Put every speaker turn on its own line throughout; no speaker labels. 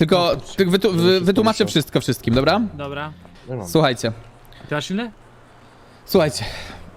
Tylko wytłumaczę wszystko wszystkim, dobra?
Dobra.
Słuchajcie.
Ty masz silny?
Słuchajcie.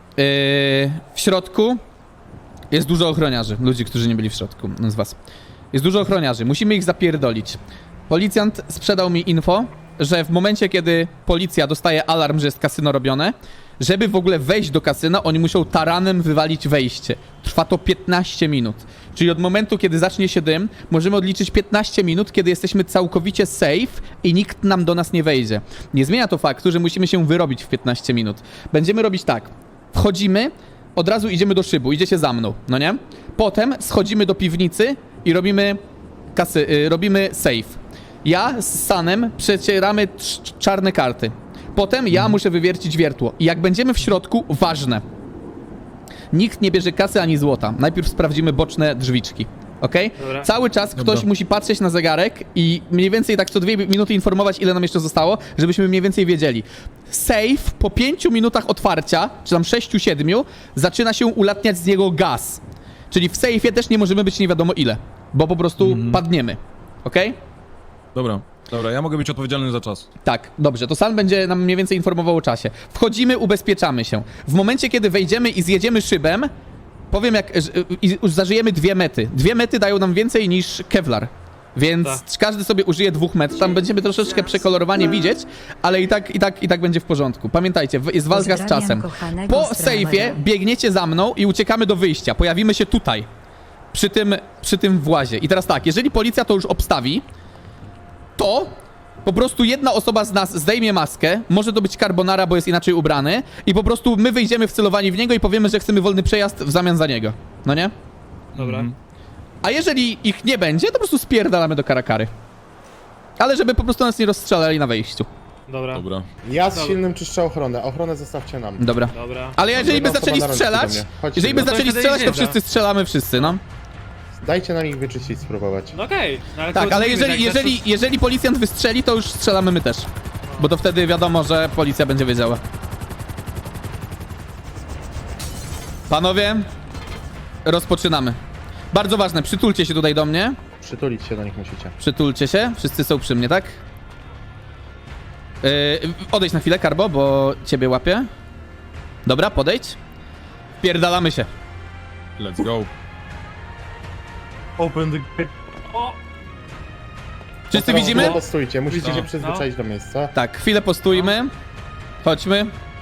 W środku jest dużo ochroniarzy. Ludzi, którzy nie byli w środku z was. Jest dużo ochroniarzy. Musimy ich zapierdolić. Policjant sprzedał mi info, że w momencie, kiedy policja dostaje alarm, że jest kasyno robione, żeby w ogóle wejść do kasyna, oni muszą taranem wywalić wejście. Trwa to 15 minut. Czyli od momentu, kiedy zacznie się dym, możemy odliczyć 15 minut, kiedy jesteśmy całkowicie safe i nikt nam do nas nie wejdzie. Nie zmienia to faktu, że musimy się wyrobić w 15 minut. Będziemy robić tak. Wchodzimy, od razu idziemy do szybu, idziecie za mną, no nie? Potem schodzimy do piwnicy i robimy safe. Ja z Sanem przecieramy czarne karty. Potem ja muszę wywiercić wiertło. I jak będziemy w środku, ważne. Nikt nie bierze kasy ani złota. Najpierw sprawdzimy boczne drzwiczki. Okej?
Dobra.
Cały czas ktoś musi patrzeć na zegarek i mniej więcej tak co 2 minuty informować, ile nam jeszcze zostało, żebyśmy mniej więcej wiedzieli. Safe po 5 minutach otwarcia, czy tam 6-7, zaczyna się ulatniać z niego gaz. Czyli w safe'ie też nie możemy być nie wiadomo ile, bo po prostu padniemy. Okej?
Dobra, ja mogę być odpowiedzialny za czas.
Tak, dobrze, to San będzie nam mniej więcej informował o czasie. Wchodzimy, ubezpieczamy się. W momencie, kiedy wejdziemy i zjedziemy szybem, powiem i zażyjemy 2 mety. 2 mety dają nam więcej niż Kevlar. Więc każdy sobie użyje 2 met. Tam będziemy troszeczkę przekolorowanie widzieć, ale i tak będzie w porządku. Pamiętajcie, jest walka z czasem. Po sejfie biegniecie za mną i uciekamy do wyjścia. Pojawimy się tutaj. Przy tym włazie. I teraz tak, jeżeli policja to już obstawi, to po prostu jedna osoba z nas zdejmie maskę, może to być Carbonara, bo jest inaczej ubrany, i po prostu my wyjdziemy wcelowani w niego i powiemy, że chcemy wolny przejazd w zamian za niego. No nie?
Dobra.
A jeżeli ich nie będzie, to po prostu spierdalamy do Karakary. Ale żeby po prostu nas nie rozstrzelali na wejściu.
Dobra.
Ja z silnym czyszczę ochronę. Ochronę zostawcie nam.
Dobra.
Dobra.
Ale jeżeli by
Jedna
zaczęli
osoba na rączki
strzelać,
do mnie. Chodźcie
jeżeli by
do mnie.
zaczęli
to
strzelać, to
wtedy
wszyscy strzelamy wszyscy, no.
Dajcie nam ich wyczyścić, spróbować.
No okej. No, ale
Tak,
to
ale
mówimy,
jeżeli policjant wystrzeli, to już strzelamy my też. Bo to wtedy wiadomo, że policja będzie wiedziała. Panowie, rozpoczynamy. Bardzo ważne, przytulcie się tutaj do mnie.
Przytulić się do nich musicie.
Przytulcie się, wszyscy są przy mnie, tak? Odejdź na chwilę, Karbo, bo ciebie łapię. Dobra, podejdź. Pierdalamy się.
Let's go.
Open the gate.
Wszyscy
Teraz
widzimy?
Postójcie, musicie
No.
się przyzwyczaić do miejsca.
Tak, chwilę postójmy. Chodźmy.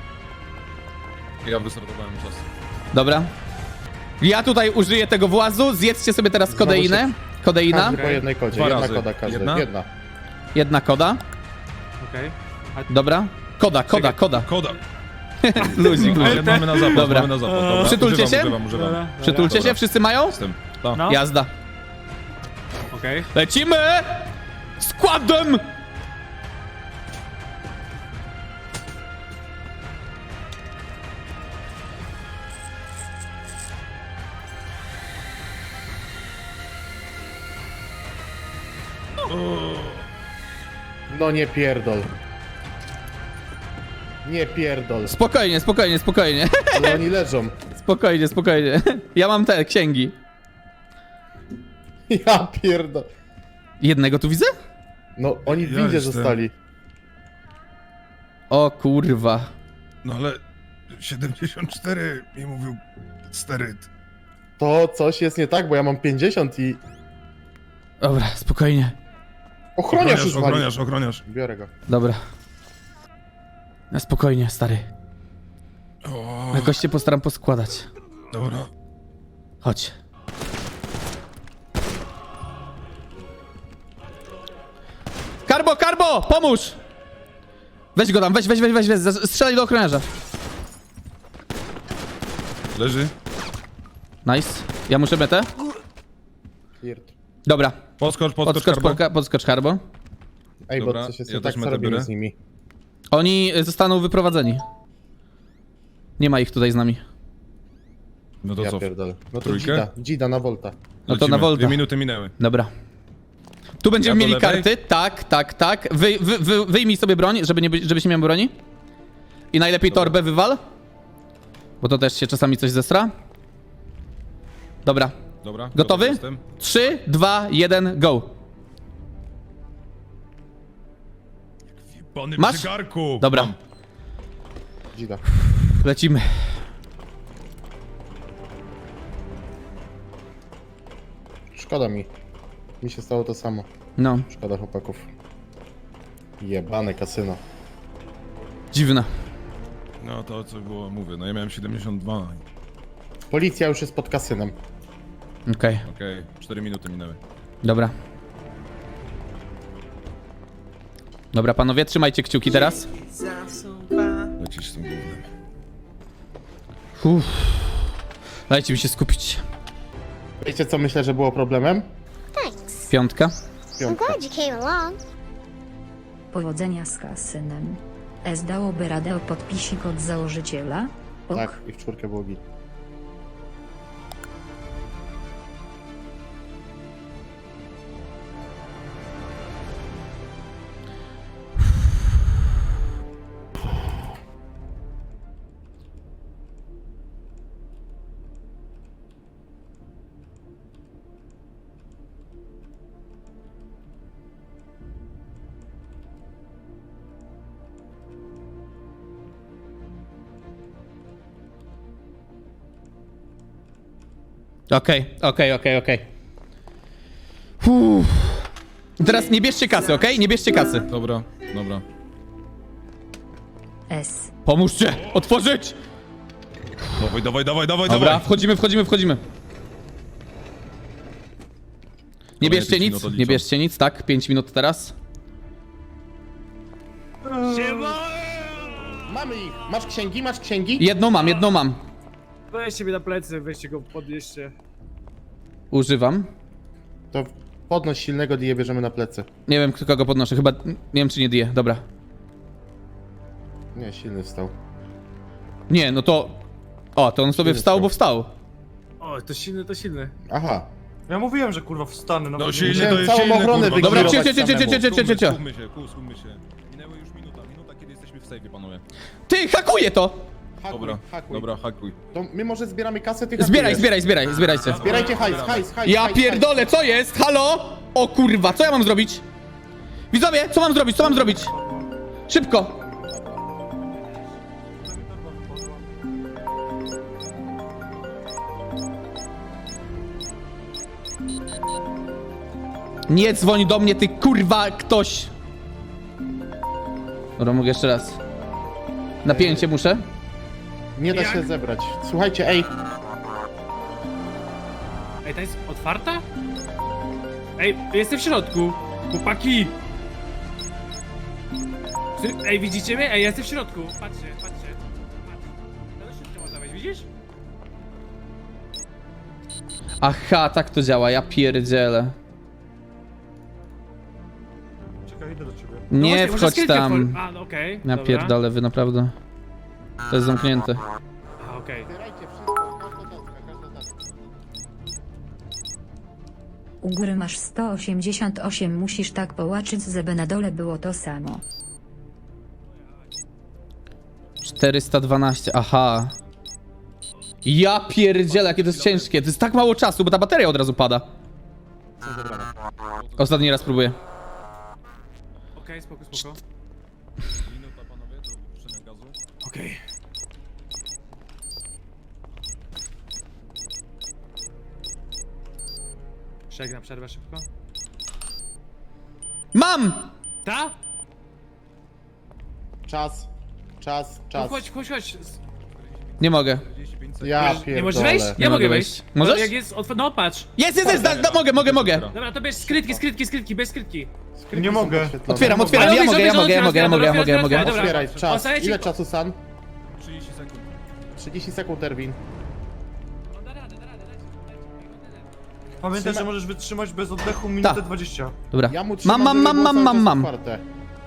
Ja wystartowałem czas.
Dobra. Ja tutaj użyję tego włazu. Zjedzcie sobie teraz kodeinę. Kodeina.
Każdy po jednej kodzie.
2
Jedna
razy.
koda każdy.
Jedna?
Jedna.
Jedna koda.
Okej.
Dobra. Koda.
Koda.
Luzik.
Ale mamy na zapas,
Dobra.
mamy na zapas. Dobra.
Przytulcie się?
Używam.
Dobra.
Przytulcie się,
Dobra.
wszyscy mają?
Jestem. Tak.
No.
Jazda.
Okej.
Lecimy! Składem!
No nie pierdol. Nie pierdol.
Spokojnie.
Ale oni leżą.
Spokojnie. Ja mam te księgi.
Ja pierdol.
Jednego tu widzę?
No oni w
Ja
windzie
jestem.
zostali.
O kurwa.
No ale 74 mi mówił steryt.
To coś jest nie tak, bo ja mam 50 i...
Dobra, spokojnie.
Ochroniarz już wali.
Ochroniarz.
Biorę go.
Dobra. Na spokojnie, stary.
O,
Jakoś cię postaram poskładać.
dobra.
Chodź. Karbo, pomóż! Weź go tam, weź, strzelaj do ochroniarza.
Leży.
Nice. Ja muszę metę.
Pierd.
Dobra.
Podskocz, Karbo.
Karbo.
Ej,
Dobra,
bo coś jest
ja
nie tak,
też
co
metę
robimy
biorę.
z nimi.
Oni zostaną wyprowadzeni. Nie ma ich tutaj z nami.
No to
Ja
co?
pierdolę. No to
Trójkę?
Dzida na Volta.
No to na Volta.
2 minuty minęły.
Dobra. Tu będziemy
Ja do
mieli
lewej?
karty. Tak. Wyjmij sobie broń, żebyś nie miał broni. I najlepiej torbę wywal. Bo to też się czasami coś zestra. Dobra.
Dobra.
Gotowy?
Jestem.
3, 2, 1, go.
Pany
Masz?
przy garku!
Dobra,
Mam.
Dzida.
lecimy.
Szkoda mi. Mi się stało to samo.
No,
Szkoda chłopaków. Jebane kasyno.
dziwne.
No to co było, mówię, no ja miałem 72.
Policja już jest pod kasynem.
Okej,
Okej, 4 minuty minęły.
dobra. Dobra, panowie, trzymajcie kciuki teraz.
Lecisz z tym głównym.
Uff. Dajcie mi się skupić.
Wiecie co myślę, że było problemem?
Thanks.
Piątka.
I'm
Piątka.
glad you came along.
Powodzenia z kasynem. Dałoby radę o podpisik od założyciela? Och,
Tak, i w czwórkę było git.
Okej. Uff. Teraz nie bierzcie kasy, okej? Nie bierzcie kasy.
Dobra, dobra.
S.
Pomóżcie! Otworzyć!
Dawaj.
Dobra, wchodzimy. Nie bierzcie
pięć
nic,
minut odliczam.
nie bierzcie nic, tak? 5 minut teraz.
Mamy ich! Masz księgi? Masz księgi?
Jedną mam.
Weźcie mnie na plecy, weźcie go, podnieście.
Używam.
To podnoś silnego die bierzemy na plecy.
Nie wiem, kogo podnoszę, chyba, nie wiem czy nie die, dobra.
Nie, silny wstał.
Nie, no to... O, to on sobie
Silny
wstał,
wstał.
bo wstał.
O, to silny.
Aha.
Ja mówiłem, że kurwa wstanę.
No
nawet
silny
nie-
to
Musiałem
jest
całą
silny,
ochronę
kurwa.
Dobra,
wykierować
cio.
Skupmy się. Minęły już minuta, kiedy jesteśmy w sejfie, panowie.
Ty, hakuję to!
Dobra, hakuj.
To my może zbieramy kasę, ty
Zbieraj,
hakujesz.
zbierajcie.
Zbierajcie hajs.
Ja
hajs.
pierdolę, co jest? Halo? O kurwa, co ja mam zrobić? Widzowie, co mam zrobić? Szybko! Nie dzwoń do mnie, ty kurwa, ktoś! Dobra, mogę jeszcze raz. Napięcie muszę.
Nie da się zebrać. Słuchajcie, ej.
Ej, ta jest otwarta? Ej, jestem w środku. Chłopaki! Ej, widzicie mnie? Ej, ja jestem w środku. Patrzcie. Patrz. To już szybko można wejść, widzisz?
Aha, tak to działa, ja pierdzielę.
Czekaj, idę do ciebie.
No
Nie
właśnie, może
wchodź
skrytkę
tam.
A, no okej.
Ja
dobra.
pierdolę, wy naprawdę. To jest zamknięte.
A, okej.
Zbierajcie wszystko, każda taska.
U góry masz 188, musisz tak połaczyć, żeby na dole było to samo.
412, aha. Ja pierdzielę, jakie to jest ciężkie. To jest tak mało czasu, bo ta bateria od razu pada. Ostatni raz próbuję.
Okej, spoko.
Minuta, panowie, do wypuszczenia gazu.
Okej. Przegna przerwę szybko.
Mam!
Ta?
Czas.
No chodź.
Nie mogę.
45 sekund.
Ja
Nie
pierdolę.
możesz wejść?
Nie
Ja
mogę
mogę
wejść.
wejść.
Możesz?
Jak jest no patrz.
Jest, mogę.
Dobra, to bierz skrytki, bez skrytki.
Nie mogę.
Otwieram,
Ale
ja
otwieraj,
mogę.
Dobra.
Otwieraj, czas.
Ostatnia ci-
Ile czasu, San?
30 sekund.
30 sekund, Erwin.
Da radę.
Pamiętaj,
Trzyma-
że możesz wytrzymać bez oddechu minutę
Tak.
20.
Dobra.
Ja mu trzymam,
Mam.
żeby było cały czas otwarte.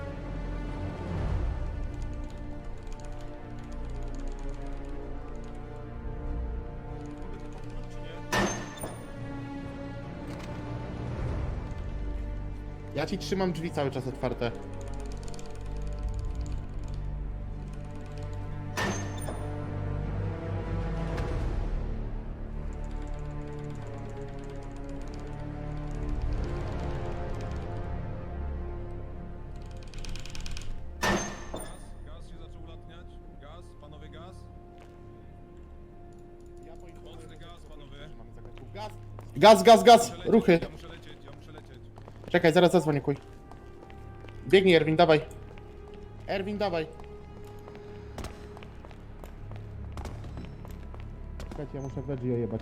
Ja ci trzymam drzwi cały czas otwarte. Gaz, gaz, gaz! Ruchy!
Ja muszę lecieć.
Czekaj, zaraz zadzwonię, kuj. Biegnij, Erwin, dawaj. Erwin, dawaj. Czekajcie, ja muszę Veggie ojebać.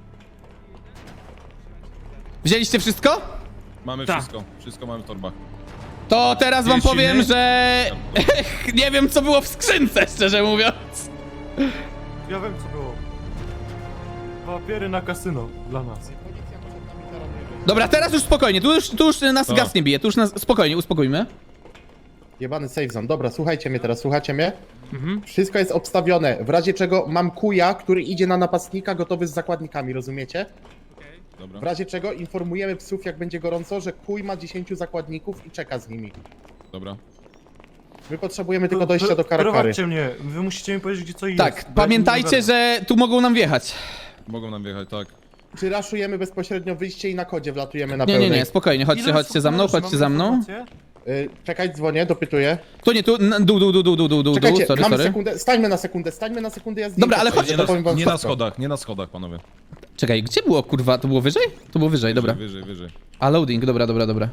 Wzięliście wszystko?
Mamy
Tak.
wszystko mamy w torbach.
To teraz wam
Jeśli
powiem,
nie-
że... nie wiem, co było w skrzynce, szczerze mówiąc.
Ja wiem co było. Papiery na kasyno dla nas.
Policja przed nami taranuje.
Dobra, teraz już spokojnie, tu już nas
Co?
gaz nie bije, tu już nas... Spokojnie, uspokójmy.
Jebany safe zone. Dobra, słuchajcie mnie teraz, słuchacie mnie? Wszystko jest obstawione. W razie czego mam kuja, który idzie na napastnika gotowy z zakładnikami, rozumiecie?
Dobra.
W razie czego informujemy psów, jak będzie gorąco, że kuj ma 10 zakładników i czeka z nimi.
Dobra.
My potrzebujemy tylko dojścia do Karakary.
Prowadźcie mnie, wy musicie mi powiedzieć, gdzie co jest.
Tak,
bo ja
pamiętajcie,
nie
że tu mogą nam wjechać.
Mogą nam wjechać, tak.
Czy raszujemy bezpośrednio wyjście i na kodzie wlatujemy na
Nie,
pełnej?
nie, nie, spokojnie,
Ile
chodźcie, chodźcie za mną,
osób
chodźcie
mamy
za mną.
informacje?
Czekaj, dzwonię, dopytuję.
Tu nie, tu, dół,
Czekajcie,
sorry,
mamy
sorry.
sekundę, stańmy na sekundę, ja
Dobra, ale
zdjęcie
chodź-
zrobię, to powiem wam wszystko.
Nie na schodach, panowie.
Czekaj, gdzie było, kurwa, to było wyżej? To było wyżej, dobra.
Wyżej.
A, loading, dobra.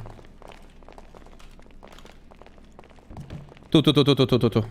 Tu.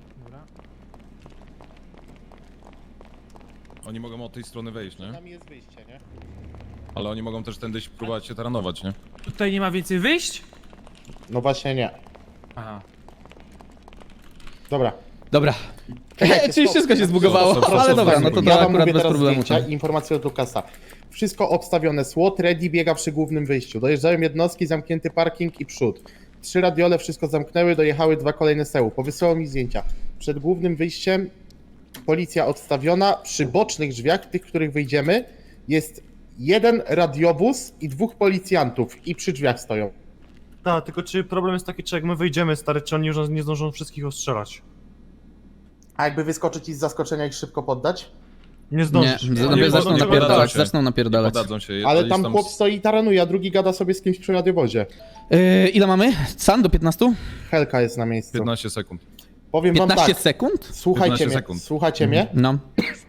Oni mogą od tej strony wejść, nie?
Tam jest wyjście, nie?
Ale oni mogą też tędy próbować się taranować, nie?
Tutaj nie ma więcej wyjść?
No właśnie nie.
Aha.
Dobra.
Dobra.
Czekajcie,
Czyli
stop.
wszystko się zbugowało,
Stop,
ale dobra, no to
ja wam
akurat
mówię
bez
teraz
problemu.
zdjęcia i informacje od Lukasa. Wszystko obstawione, SWAT ready biega przy głównym wyjściu. Dojeżdżają jednostki, zamknięty parking i przód. 3 radiole wszystko zamknęły, dojechały 2 kolejne seł. Powysyłał mi zdjęcia. Przed głównym wyjściem policja odstawiona. Przy bocznych drzwiach, tych, których wyjdziemy, jest 1 radiowóz i 2 policjantów i przy drzwiach stoją.
Tak, tylko czy problem jest taki, czy jak my wyjdziemy, stary, czy oni już nie zdążą wszystkich ostrzelać?
A jakby wyskoczyć i z zaskoczenia ich szybko poddać?
Nie
Nie,
zdążysz.
zaczną
zdążą
napierdalać,
się.
zaczną
Nie
napierdalać.
podadzą się.
Ale
jest
tam chłop stoi i taranuje, a drugi gada sobie z kimś przy radiowozie.
Ile mamy? San do 15?
Helka jest na miejscu.
15 sekund.
Powiem wam
15
tak,
sekund?
słuchajcie
15
mnie,
sekund.
słuchajcie mnie.
No.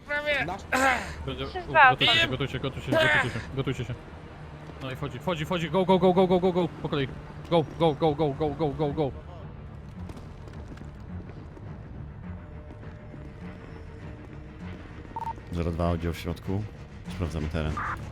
Gotujcie się. No i wchodzi, go, po kolei. Go.
02 oddział w środku. Sprawdzamy teren.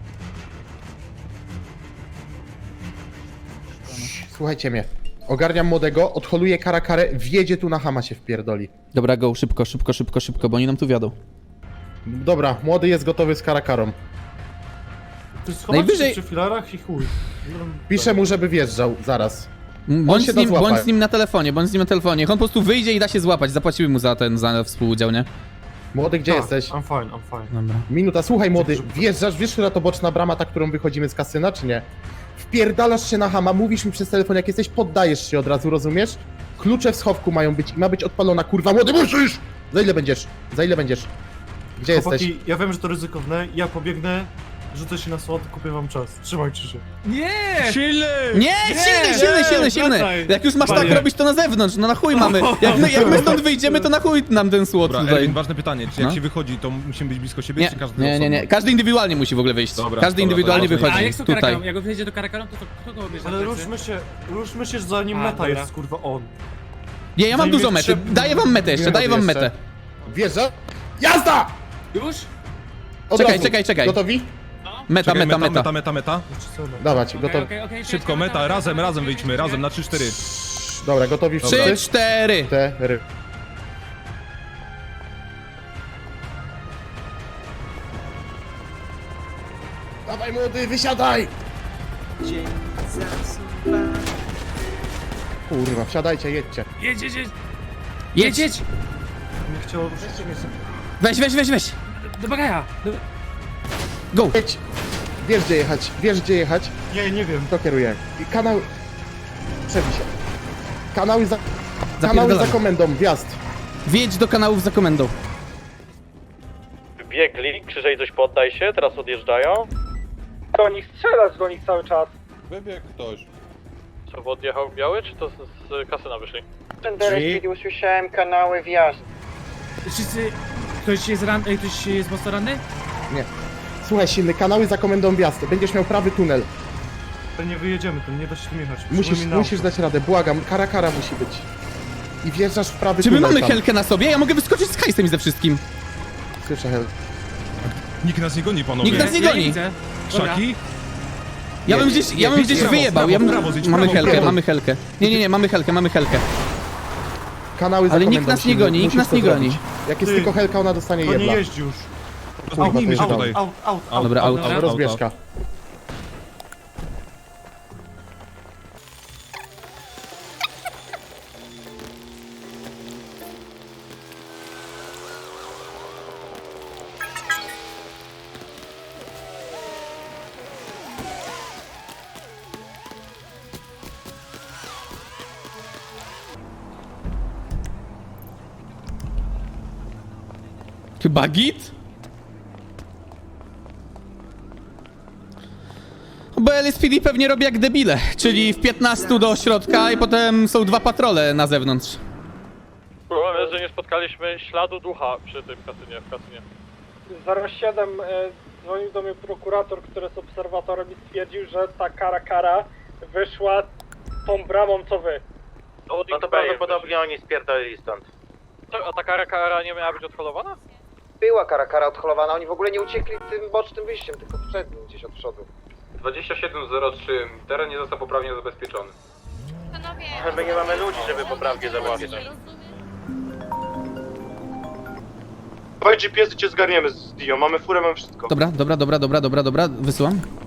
Słuchajcie mnie. Ogarniam młodego, odholuję Karakarę, wjedzie tu na Hama się wpierdoli.
Dobra, go, szybko, bo oni nam tu wiadą.
Dobra, młody jest gotowy z Karakarą.
Ty schować
Najwyżej-
się przy filarach i chuj.
Piszę mu, żeby wjeżdżał, zaraz.
Bądź
się
z, nim,
da złapać.
bądź z nim na telefonie, Niech on po prostu wyjdzie i da się złapać. Zapłacimy mu za współudział, nie?
Młody, gdzie jesteś?
I'm fine.
Dobra.
Minuta, słuchaj młody, wjeżdżasz, wiesz, która to boczna brama, ta, którą wychodzimy z kasyna, czy nie? Wpierdalasz się na Hama, mówisz mi przez telefon, jak jesteś, poddajesz się od razu, rozumiesz? Klucze w schowku mają być i ma być odpalona, kurwa, młody, musisz! Za ile będziesz? Gdzie jesteś?
Chłopaki, ja wiem, że to ryzykowne, ja pobiegnę, rzucę się na słod, kupię wam czas. Trzymajcie się.
Nie!
Nie, silny!
wracaj.
Jak już masz tak
Panie.
robić, to na zewnątrz, no na chuj mamy. Jak my stąd wyjdziemy, to na chuj nam ten słod
Dobra,
tutaj.
Erwin, ważne pytanie, czy jak
No.
się wychodzi, to musimy być blisko siebie,
Nie,
czy każdy osobno?
nie. Każdy indywidualnie musi w ogóle wyjść.
Dobra,
Każdy
dobra,
indywidualnie
dobra.
wychodzi.
A jak z tą
Tutaj.
karakarą? Jak on wjedzie do karakarą, to kto go bierze?
Ale ruszmy się, zanim
A,
meta
dobra.
jest, kurwa, on.
Nie, ja mam
Zanim
dużo
jest
mety.
trzeba-
Daję wam metę jeszcze, daję wam
Jeszcze.
metę.
Wjeżdża? Jazda!
Już?
Od
Czekaj,
razu.
czekaj.
Gotowi?
Meta.
Czekaj, meta.
Jeszcze co?
Dawać, gotowi.
Okej,
Szybko, meta, razem wyjdźmy, razem, na 3-4.
Dobra, gotowi
3,
wszyscy?
4.
4. Dawaj młody, wysiadaj! Kurwa, wsiadajcie, jedźcie.
Jedź!
Nie chciało...
Weź.
Do bagaja!
Go.
Jedź. Wiesz gdzie jechać?
Nie wiem.
To kieruje. I kanał... Przebij się. Kanały za
Zapierdalamy.
komendą, wjazd.
Wjedź do kanałów za komendą.
Biegli, Krzyżej coś poddaj się, teraz odjeżdżają.
Do nich strzelać do nich cały czas.
Wybiegł ktoś.
Co, odjechał biały, czy to z kasyna wyszli?
Tender, kiedy usłyszałem kanały wjazd.
Wszyscy... Ktoś jest mocno ranny?
Słuchaj, silny, kanały za komendą wjazd. Będziesz miał prawy tunel.
To nie wyjedziemy, to nie da się tym jechać.
Musisz dać radę, błagam. Kara musi być. I wjeżdżasz w prawy
Czy my
tunel
mamy
tam.
helkę na sobie? Ja mogę wyskoczyć z hajsem i ze wszystkim.
Słyszę hel.
Nikt nas nie goni, panowie.
Nikt nas nie
Ja
goni.
widzę. Dobra.
Szaki?
Ja bym gdzieś
prawo,
wyjebał.
prawo, prawo, zjedź
Mamy
prawo,
helkę,
prawo.
mamy helkę. Nie, mamy helkę.
Kanały za
Ale nikt
komendą,
nas nie
silny.
goni, nikt
Musisz
nas
to
nie goni.
zrobić. Jak jest
Ty.
tylko helka, ona dostanie
To nie
jebla.
jeździ już.
Zbiegnijmy się
Kurwa,
tutaj.
Out.
Dobra, aut.
Dobra.
Rozbieżka.
Chyba git? Bo LSPD pewnie robi jak debile, czyli w 15 do środka i potem są 2 patrole na zewnątrz.
Problem jest, że nie spotkaliśmy śladu ducha przy tym kasynie, w kasynie.
07 dzwonił do mnie prokurator, który jest obserwatorem i stwierdził, że ta kara wyszła tą bramą co wy.
No to prawdopodobnie
oni spierdolili stąd.
A ta kara nie miała być odholowana?
Była kara odholowana, oni w ogóle nie uciekli tym bocznym wyjściem, tylko przednim gdzieś od przodu.
2703, teren nie został poprawnie zabezpieczony.
Panowie,
My nie mamy ludzi, żeby poprawnie zabezpieczyć.
Dawaj GPS i cię zgarniemy z Dio, mamy furę, mamy wszystko.
Dobra, wysyłam.